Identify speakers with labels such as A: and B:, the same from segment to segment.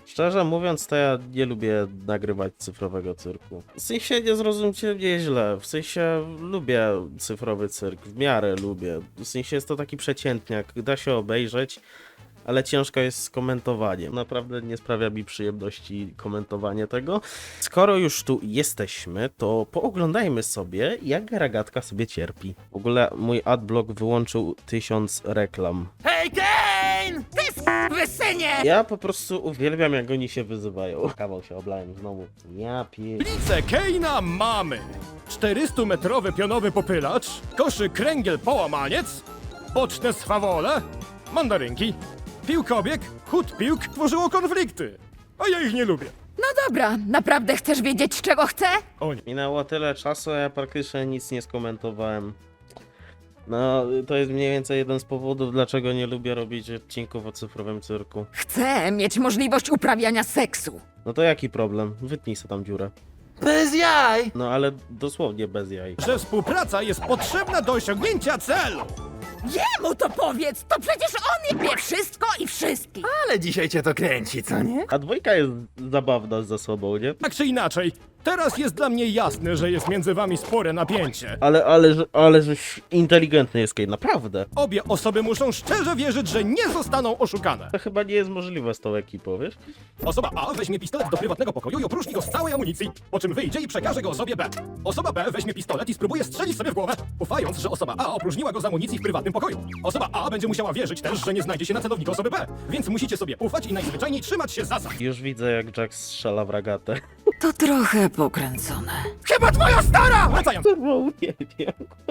A: Szczerze mówiąc, to ja nie lubię nagrywać cyfrowego cyrku. W sensie nie zrozumcie mnie źle, w sensie lubię cyfrowy cyrk, w miarę lubię. W sensie jest to taki przeciętniak, da się obejrzeć, ale ciężko jest z komentowaniem. Naprawdę nie sprawia mi przyjemności komentowanie tego. Skoro już tu jesteśmy, to pooglądajmy sobie, jak Ragatka sobie cierpi. W ogóle mój adblock wyłączył 1000 reklam.
B: Hej, Kane! Ty wysynie!
A: Ja po prostu uwielbiam, jak oni się wyzywają. Kawał się oblałem znowu. Ja pier...
C: Tablicę Keina mamy. 400-metrowy pionowy popylacz, koszyk kręgiel połamaniec, boczne swawole, mandarynki, piłkobieg, chód piłk tworzyło konflikty. A ja ich nie lubię.
B: No dobra, naprawdę chcesz wiedzieć, czego chcę?
C: O nie.
A: Minęło tyle czasu, a ja praktycznie nic nie skomentowałem. No, to jest mniej więcej jeden z powodów, dlaczego nie lubię robić odcinków o cyfrowym cyrku.
B: Chcę mieć możliwość uprawiania seksu.
A: No to jaki problem? Wytnij sobie tam dziurę.
D: Bez jaj!
A: No ale dosłownie bez jaj.
C: Że współpraca jest potrzebna do osiągnięcia celu.
B: Jemu to powiedz, to przecież on wie wszystko i wszystkich.
D: Ale dzisiaj cię to kręci, co nie?
A: A dwójka jest zabawna ze sobą, nie?
C: Tak czy inaczej, teraz jest dla mnie jasne, że jest między wami spore napięcie.
A: Ale żeś inteligentny jest Kane, naprawdę.
C: Obie osoby muszą szczerze wierzyć, że nie zostaną oszukane.
A: To chyba nie jest możliwe z tą ekipą, wiesz?
C: Osoba A weźmie pistolet do prywatnego pokoju i opróżni go z całej amunicji, po czym wyjdzie i przekaże go osobie B. Osoba B weźmie pistolet i spróbuje strzelić sobie w głowę, ufając, że osoba A opróżniła go z amunicji w prywatnym pokoju. Osoba A będzie musiała wierzyć też, że nie znajdzie się na celowniku osoby B, więc musicie sobie ufać i najzwyczajniej trzymać się zasad.
A: Już widzę, jak Jack strzela w Ragatę.
B: To trochę pokręcone.
C: Chyba twoja stara! Wracając.
A: Nie wiem.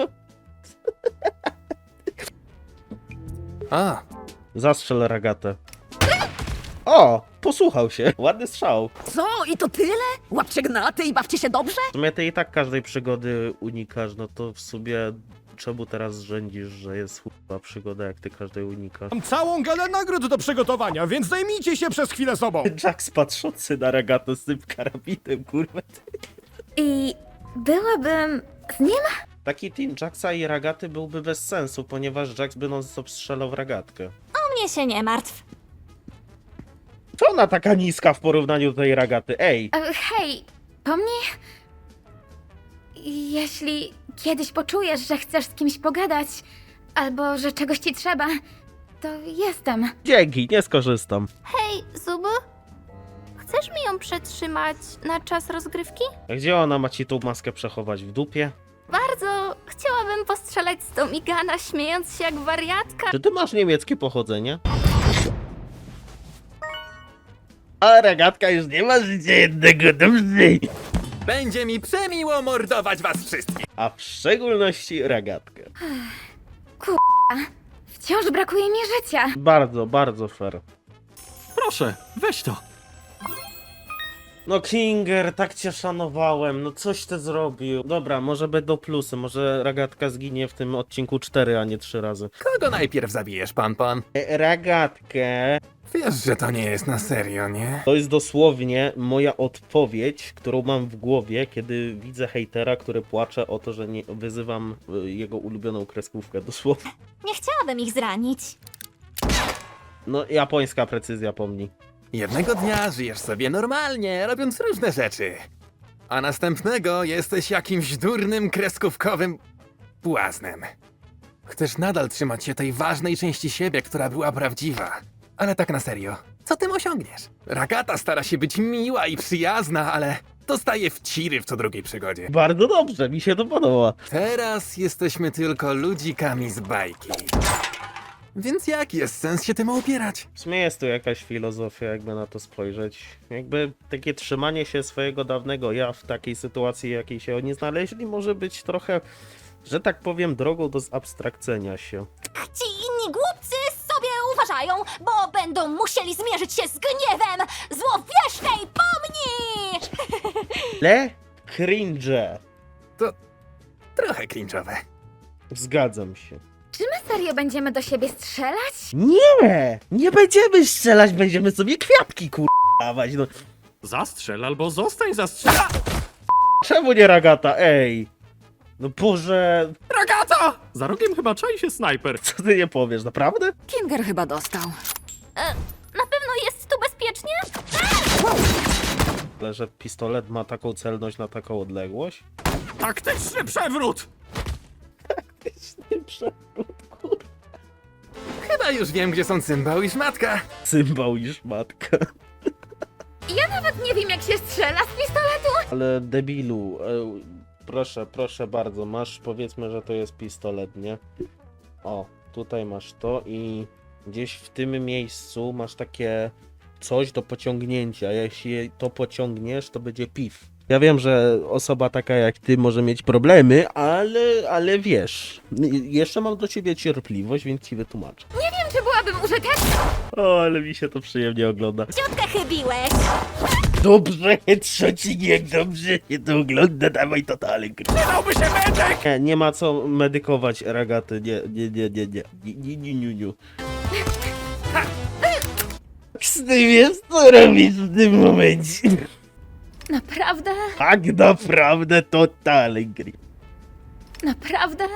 D: A,
A: Zastrzel Ragatę. O! Posłuchał się. Ładny strzał.
B: Co? I to tyle? Łapcie gnaty i bawcie się dobrze?
A: W sumie ty i tak każdej przygody unikasz, no to w sumie czemu teraz rządzisz, że jest chyba przygoda, jak ty każdej unikasz?
C: Mam całą galę nagród do przygotowania, więc zajmijcie się przez chwilę sobą.
A: Jack patrzący na Ragatę z tym karabinem, kurwa.
E: I byłabym z nim?
A: Taki team Jacksa i Ragaty byłby bez sensu, ponieważ Jax by non-stop strzelał w Ragatkę.
E: O mnie się nie martw.
A: Co ona taka niska w porównaniu do tej Ragaty? Ej!
E: Hej, pomnij? Jeśli kiedyś poczujesz, że chcesz z kimś pogadać, albo że czegoś ci trzeba, to jestem.
A: Dzięki, nie skorzystam.
F: Hej, Zubu? Chcesz mi ją przetrzymać na czas rozgrywki?
A: A gdzie ona ma ci tą maskę przechować? W dupie?
F: Bardzo chciałabym postrzelać z Tomigana, śmiejąc się jak wariatka.
A: Czy ty masz niemieckie pochodzenie? A Ragatka już nie ma życia jednego, dobrze.
D: będzie mi przemiło mordować was wszystkich.
A: A w szczególności Ragatkę.
E: Wciąż brakuje mi życia.
A: Bardzo, bardzo fair.
D: Proszę, weź to.
A: No Kinger, tak cię szanowałem, no coś ty zrobił. Dobra, może będą plusy, może Ragatka zginie w tym odcinku 4, a nie 3 razy.
D: Kogo najpierw zabijesz, pan?
A: Ragatkę.
D: Wiesz, że to nie jest na serio, nie?
A: To jest dosłownie moja odpowiedź, którą mam w głowie, kiedy widzę hejtera, który płacze o to, że nie wyzywam jego ulubioną kreskówkę, dosłownie.
E: Nie chciałabym ich zranić.
A: No, japońska precyzja pomni.
D: Jednego dnia żyjesz sobie normalnie, robiąc różne rzeczy. A następnego jesteś jakimś durnym, kreskówkowym błaznem. Chcesz nadal trzymać się tej ważnej części siebie, która była prawdziwa. Ale tak na serio, co tym osiągniesz? Ragata stara się być miła i przyjazna, ale dostaje wciry w co drugiej przygodzie.
A: Bardzo dobrze, mi się to podoba.
D: Teraz jesteśmy tylko ludzikami z bajki. Więc jaki jest sens się tym opierać?
A: W sumie jest tu jakaś filozofia, jakby na to spojrzeć. Jakby takie trzymanie się swojego dawnego ja w takiej sytuacji, jakiej się oni znaleźli, może być trochę, że tak powiem, drogą do zabstrakcenia się.
E: Ci inni głupcy sobie uważają, bo będą musieli zmierzyć się z gniewem złowiesznej pomni!
A: Le cringe.
D: Trochę cringe'owe.
A: Zgadzam się.
E: Czy my serio będziemy do siebie strzelać?
A: Nie! Nie będziemy strzelać, będziemy sobie kwiatki dawać. No.
C: Zastrzel albo zostań zastrzelony.
A: Czemu nie Ragata? Ej! No Boże,
C: Ragata! Za rogiem chyba czai się snajper.
A: co ty nie powiesz, naprawdę?
B: Kinger chyba dostał.
F: Na pewno jest tu bezpiecznie?
A: Ale że pistolet ma taką celność na taką odległość?
C: Taktyczny przewrót!
D: Chyba już wiem, gdzie są cymbał i szmatka.
A: Cymbał i szmatka.
F: Ja nawet nie wiem, jak się strzela z pistoletu.
A: Ale debilu, proszę bardzo, masz, powiedzmy, że to jest pistolet, nie? O, tutaj masz to i gdzieś w tym miejscu masz takie coś do pociągnięcia. Jeśli to pociągniesz, to będzie piw. Ja wiem, że osoba taka jak ty może mieć problemy, ale wiesz, jeszcze mam do ciebie cierpliwość, więc ci wytłumaczę.
F: Nie wiem, czy byłabym użyteczna.
A: O, ale mi się to przyjemnie ogląda.
E: Ciutkę chybiłeś.
A: Dobrze, trzecinek, dobrze się to ogląda, dawaj to dalej.
C: Przydałby się medyk!
A: Nie ma co medykować ragaty, nie. Ty wiesz, co robisz w tym momencie?
F: Naprawdę?
A: Tak naprawdę totalnie gry.
F: Naprawdę?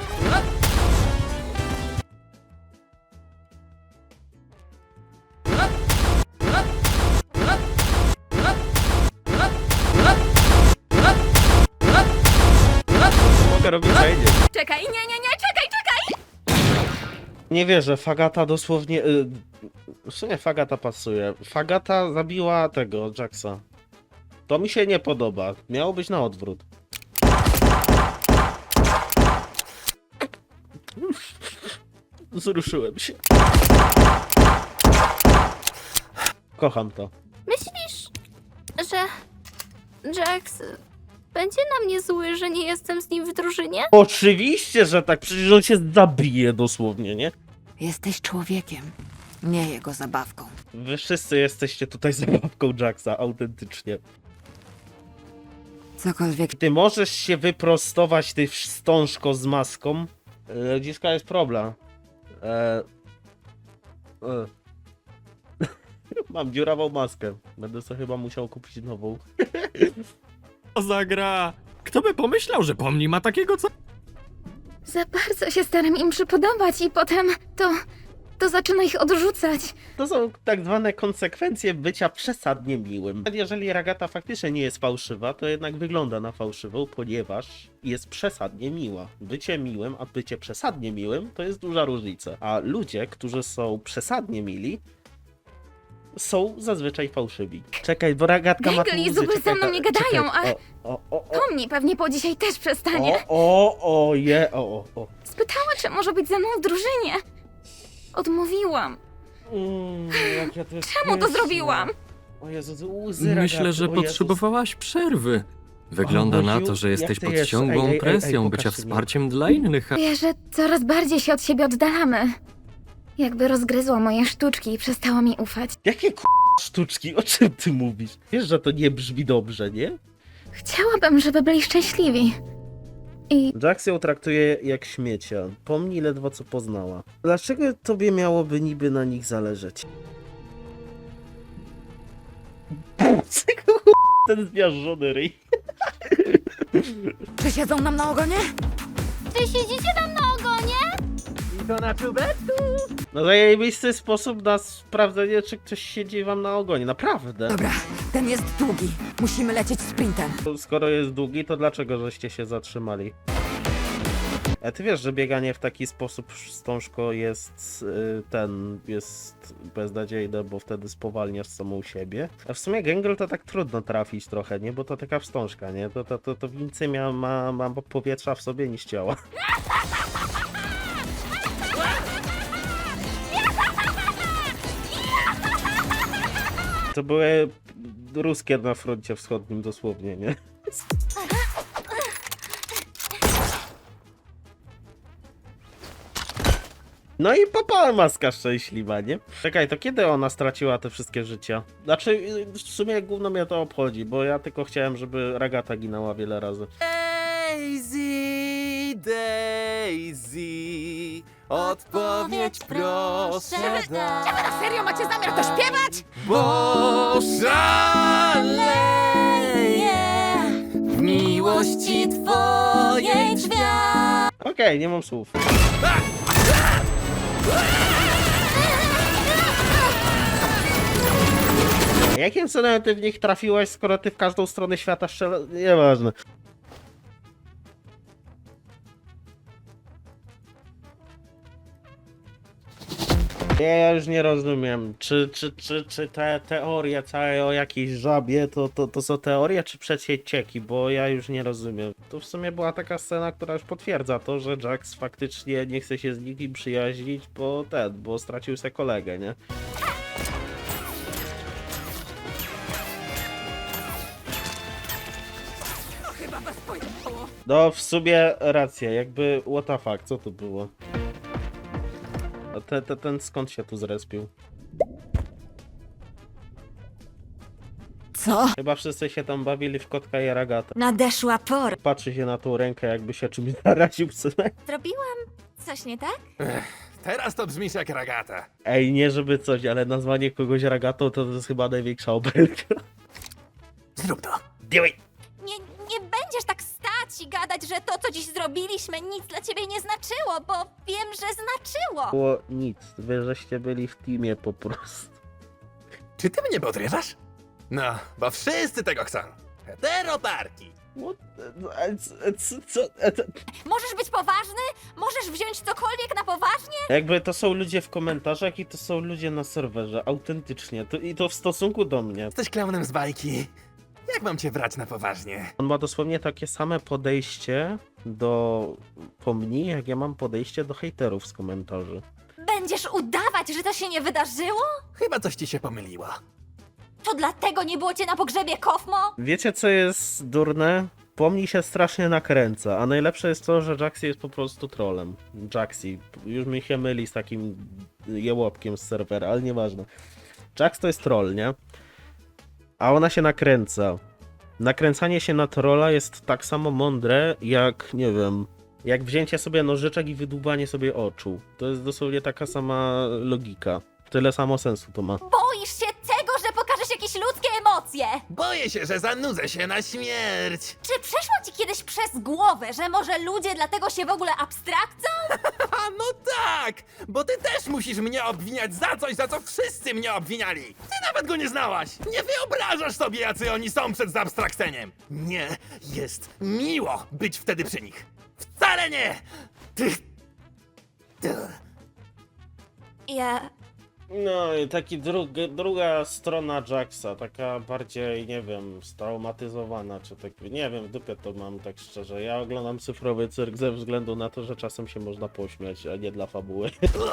A: Mogę robić fajnie.
F: Czekaj, nie, czekaj!
A: Nie wierzę, Fagata dosłownie... w sumie Fagata pasuje. Fagata zabiła tego, Jacksa. To mi się nie podoba. Miało być na odwrót. Wzruszyłem się. Kocham to.
F: Myślisz, że Jax będzie na mnie zły, że nie jestem z nim w drużynie?
A: Oczywiście, że tak, przecież on się zabije dosłownie, nie?
B: Jesteś człowiekiem, nie jego zabawką.
A: Wy wszyscy jesteście tutaj zabawką Jacksa, autentycznie.
B: Cokolwiek.
A: Ty możesz się wyprostować, ty wstążko z maską. Dziska jest problem. Mam dziurawą maskę. Będę sobie chyba musiał kupić nową.
C: Co za gra? Kto by pomyślał, że pomni ma takiego co?
F: Za bardzo się staram im przypodobać i potem to zaczyna ich odrzucać.
A: To są tak zwane konsekwencje bycia przesadnie miłym. Jeżeli Ragata faktycznie nie jest fałszywa, to jednak wygląda na fałszywą, ponieważ jest przesadnie miła. Bycie miłym, a bycie przesadnie miłym to jest duża różnica. A ludzie, którzy są przesadnie mili, są zazwyczaj fałszywi. Czekaj, bo Ragatka ma tu
F: Gengel i
A: łzy.
F: Zubul ze
A: Czekaj,
F: mną nie gadają, a
A: O.
F: pomni pewnie po dzisiaj też przestanie.
A: O.
F: Spytała, czy może być ze mną w drużynie. Odmówiłam.
A: Jak ja to jest
F: Czemu to
A: pyszne.
F: zrobiłam?
A: O Jezu, łzy
G: Myślę,
A: Ragaty,
G: że
A: o Jezus.
G: potrzebowałaś przerwy. Wygląda
A: O,
G: na
A: Boziu,
G: to, że
A: jak
G: jesteś
A: ty
G: pod
A: jest?
G: ciągłą
A: Ej,
G: presją bycia
A: pokażcie mi.
G: wsparciem dla innych.
F: Czuję, że coraz bardziej się od siebie oddalamy. Jakby rozgryzło moje sztuczki i przestało mi ufać.
A: Jakie sztuczki? O czym ty mówisz? Wiesz, że to nie brzmi dobrze, nie?
F: Chciałabym, żeby byli szczęśliwi. I
A: Jax ją traktuje jak śmiecia. Pomni ledwo co poznała. Dlaczego tobie miałoby niby na nich zależeć? Ten zmiażdżony ryj.
B: Czy siedzą nam na ogonie?
E: Czy siedzicie tam na ogonie?
A: No zajebisty sposób na sprawdzenie, czy ktoś siedzi wam na ogonie. Naprawdę.
B: Dobra, ten jest długi. Musimy lecieć sprintem.
A: Skoro jest długi, to dlaczego żeście się zatrzymali? A ty wiesz, że bieganie w taki sposób wstążko jest jest beznadziejne, bo wtedy spowalniasz samą siebie. A w sumie Gengel to tak trudno trafić trochę, nie? Bo to taka wstążka, nie? To więcej ma powietrza w sobie niż ciała. To były ruskie na froncie wschodnim dosłownie, nie? No i papa maska szczęśliwa, nie? Czekaj, to kiedy ona straciła te wszystkie życia? Znaczy, w sumie gówno mnie to obchodzi, bo ja tylko chciałem, żeby Ragata ginęła wiele razy.
D: Daisy, odpowiedź proszę daj,
B: Na serio macie zamiar to śpiewać?
D: bo szaleję w miłości twojej drzwiach.
A: Okej, nie mam słów. Jakim cudem ty w nich trafiłeś, skoro ty w każdą stronę świata strzela... Nieważne. Ja już nie rozumiem, czy te teorie całe o jakiejś żabie to są teorie, czy przecieki, bo ja już nie rozumiem. To w sumie była taka scena, która już potwierdza to, że Jax faktycznie nie chce się z nikim przyjaźnić, bo stracił sobie kolegę, nie?
B: To chyba was pojechało.
A: No, w sumie racja, jakby what the fuck, co to było? A ten skąd się tu zrespił?
E: Co?
A: Chyba wszyscy się tam bawili w kotka i ragatę.
E: Nadeszła pora.
A: Patrzy się na tą rękę, jakby się czymś zaraził, synek.
E: Zrobiłam coś nie tak?
D: Teraz to brzmisz jak ragata.
A: Ej, nie żeby coś, ale nazwanie kogoś ragatą to jest chyba największa obelga.
D: Zrób to.
A: Dawaj.
E: Nie będziesz tak stać i gadać, że to, co dziś zrobiliśmy, nic dla ciebie nie znaczyło, bo wiem, że znaczyło.
A: Było nic, wy żeście byli w teamie po prostu.
D: Czy ty mnie podrywasz? No, bo wszyscy tego chcą. Heteroparki.
A: What?
E: Możesz być poważny? Możesz wziąć cokolwiek na poważnie?
A: Jakby to są ludzie w komentarzach i to są ludzie na serwerze, autentycznie. I to w stosunku do mnie.
D: Jesteś klaunem z bajki. Jak mam cię brać na poważnie?
A: On ma dosłownie takie same podejście do pomni, jak ja mam podejście do hejterów z komentarzy.
E: Będziesz udawać, że to się nie wydarzyło?
D: Chyba coś ci się pomyliło.
E: To dlatego nie było cię na pogrzebie, Kofmo?
A: Wiecie co jest durne? Pomni się strasznie nakręca, a najlepsze jest to, że Jaxi jest po prostu trollem. Jaxi, już mi się myli z takim jełopkiem z serwera, ale nieważne. Jax to jest troll, nie? A ona się nakręca. Nakręcanie się na trolla jest tak samo mądre, jak, nie wiem, jak wzięcie sobie nożyczek i wydłubanie sobie oczu. To jest dosłownie taka sama logika. Tyle samo sensu to ma.
E: Boisz się tego, że pokażesz jakieś ludzkie emocje?
D: Boję się, że zanudzę się na śmierć.
E: Czy przeszło ci kiedyś przez głowę, że może ludzie dlatego się w ogóle abstrakcją?
D: A no tak! Bo ty też musisz mnie obwiniać za coś, za co wszyscy mnie obwiniali. Ty nawet go nie znałaś. Nie wyobrażasz sobie, jacy oni są przed zabstrakceniem. Nie jest miło być wtedy przy nich. Wcale nie! Ty...
E: Ja...
A: No i druga strona Jaxa, taka bardziej, nie wiem, straumatyzowana, czy tak, nie wiem, w dupie to mam, tak szczerze. Ja oglądam cyfrowy cyrk ze względu na to, że czasem się można pośmiać, a nie dla fabuły.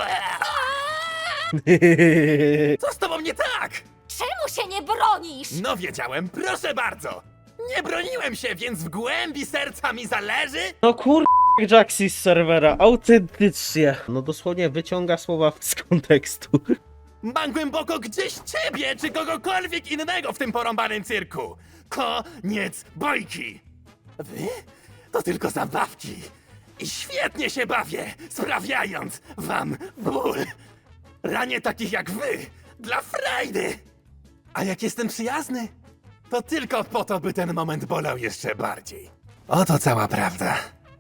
D: Co z tobą nie tak?
E: Czemu się nie bronisz?
D: No wiedziałem, proszę bardzo. Nie broniłem się, więc w głębi serca mi zależy?
A: No kur... Jaxi z serwera, autentycznie. No dosłownie wyciąga słowa z kontekstu.
D: Mam głęboko gdzieś ciebie, czy kogokolwiek innego w tym porąbanym cyrku. Koniec bojki. Wy? To tylko zabawki. I świetnie się bawię, sprawiając wam ból. Ranię takich jak wy, dla frajdy. A jak jestem przyjazny, to tylko po to, by ten moment bolał jeszcze bardziej. Oto cała prawda.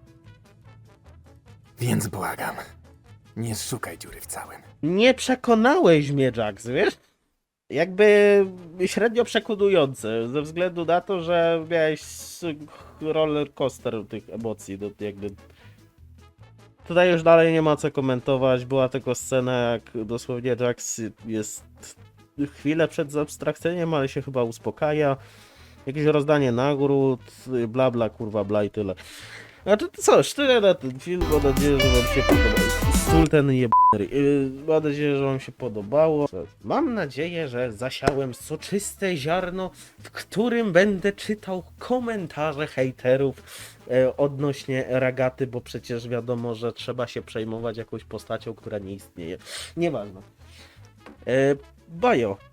D: Więc błagam, nie szukaj dziury w całym.
A: Nie przekonałeś mnie, Jax, wiesz? Jakby średnio przekonujące, ze względu na to, że miałeś roller coaster tych emocji, no jakby... Tutaj już dalej nie ma co komentować, była tylko scena, jak dosłownie Jax jest chwilę przed abstrakceniem, ale się chyba uspokaja. Jakieś rozdanie nagród, bla bla, kurwa bla i tyle. A to cóż, tyle na ten film, mam nadzieję, że wam się podobało. Stul ten jebany. Mam nadzieję, że wam się podobało. Mam nadzieję, że zasiałem soczyste ziarno, w którym będę czytał komentarze hejterów odnośnie Ragaty, bo przecież wiadomo, że trzeba się przejmować jakąś postacią, która nie istnieje. Nieważne. Bajo.